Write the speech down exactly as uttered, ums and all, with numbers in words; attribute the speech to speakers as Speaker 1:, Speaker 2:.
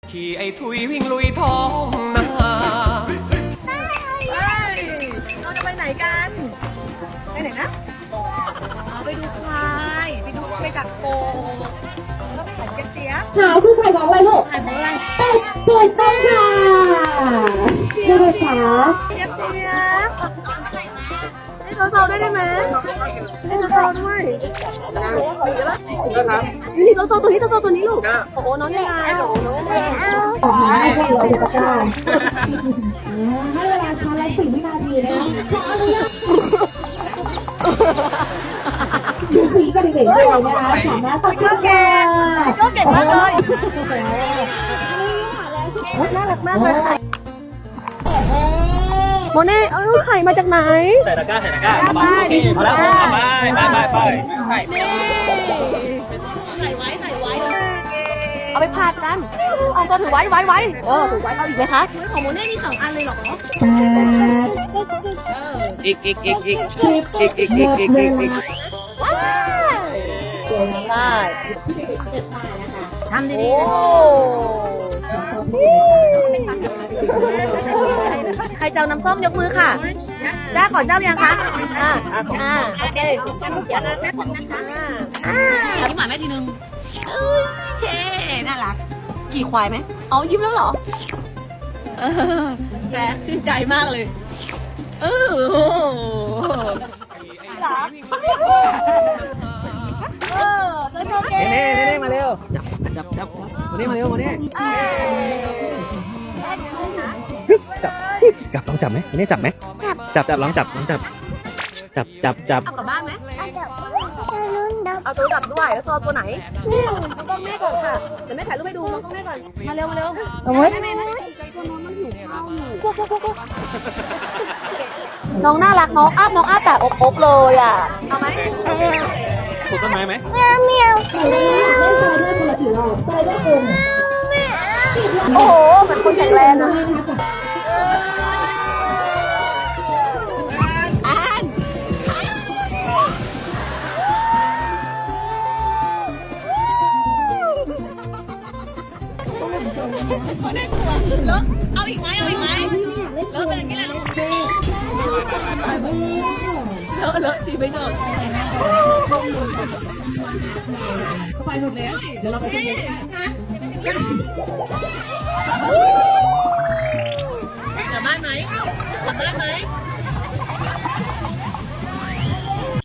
Speaker 1: ขี่ไอ้ทุยวิ่งลุยท้องนา
Speaker 2: เราจะไปไหนกันไปไหนนะเอาไปดูควายไปดูไปดักโกแล้วไปหาเจี๊ยบเจี๊ยบ
Speaker 3: ขาวคือไข่ของอะไรลูก
Speaker 2: หาของอะไร
Speaker 3: เป็ดถูกต้องค่ะดูเลยค่ะ
Speaker 2: เจี๊ยบเจี๊ยบให้โซโซด้วยได้ไหมให้โซโซด้วยนี่โซโซตัวนี้โซโซตัวนี้ลูกโอ้โหน้องยังไงโอ้โหน้องยังไง
Speaker 3: ต่อมาให้เราดูตะกร้าให้เวลาชาร์จละสี่วินาทีนะคะขออนุญาตดูสีก็เด็กๆด้วยนะคะสามารถตัด
Speaker 2: ก็เก่งก็เก่งมากเลยน่ารักมากเลยค่ะโมเน่เอาไข่มาจากไหน
Speaker 1: ใส่ตะกร้าใส่ตะกร้า
Speaker 2: ไปดิ
Speaker 1: พอแล้วไปไปไปไป
Speaker 2: นี่ใส่ไว้ใส่ไว้เอาไปผัดกัน เอาตัวถือไว้ไว้ไว้เออถือไว้เอาอีกไหมคะของโมเน่มีสองอันเลยเหรอ
Speaker 1: อีกอีกอีกอีกอีกอีกอีกอีกอีกอีก
Speaker 2: ว้าวได้ทำดีๆใครเจ้าน้ำส้มยกมือค่ะจ้าก่อนเจ้ายังคะอ่าอ่าโอเคอ่ายิ้มหวานแม่ทีนึงโอเคน่ารักกี่ควายไหมเอายิ้มแล้วเหรอเออแซ่ชื่นใจมากเลยเออเหรอเออโอเค
Speaker 1: เน่เน่มาเร็วจับจับจับมาเน่มาเร็วมาเน่จับจับลองจับไหมเน่จับไหมจับจับจับลองจับลองจับจับจับจับ
Speaker 2: เอากลับบ้านไหมเอาตัวดับด้วยแล้วโซนตัวไหนนี่น้องกล้องแม่ก่อนค่ะเดี๋ยวแม่ถ่ายรูปให้ดูน้องกล้องแม่ก่อนมาเร็วมาเร็วเอาไว้แม่แม่แม่ใจตัวน้องมันหิวข้าวอยู่กุ๊กกุ๊กกุ๊กกุ๊กน้องน่ารักน้องอ้าน้องอ้าแต่อบอบเลยอ่ะเอาไหม
Speaker 1: ปลูกต้นไม้ไหม
Speaker 3: เมียวเมียวเล่นทรายด้วยคนละกี่รอบทรายด้วยคน
Speaker 2: โอ้โหเหมือนคนแข็งแรงนะอ่านแล้วเอาอีกไหมเอาอีกไหมแล้วเป็นอย่างนี้แหละลูกเลอะเลอะสีไม่จบเข้าไปหมดแล้วเดี๋ยวเราไปดูกลับบ้านไหมกลับบ้านไหม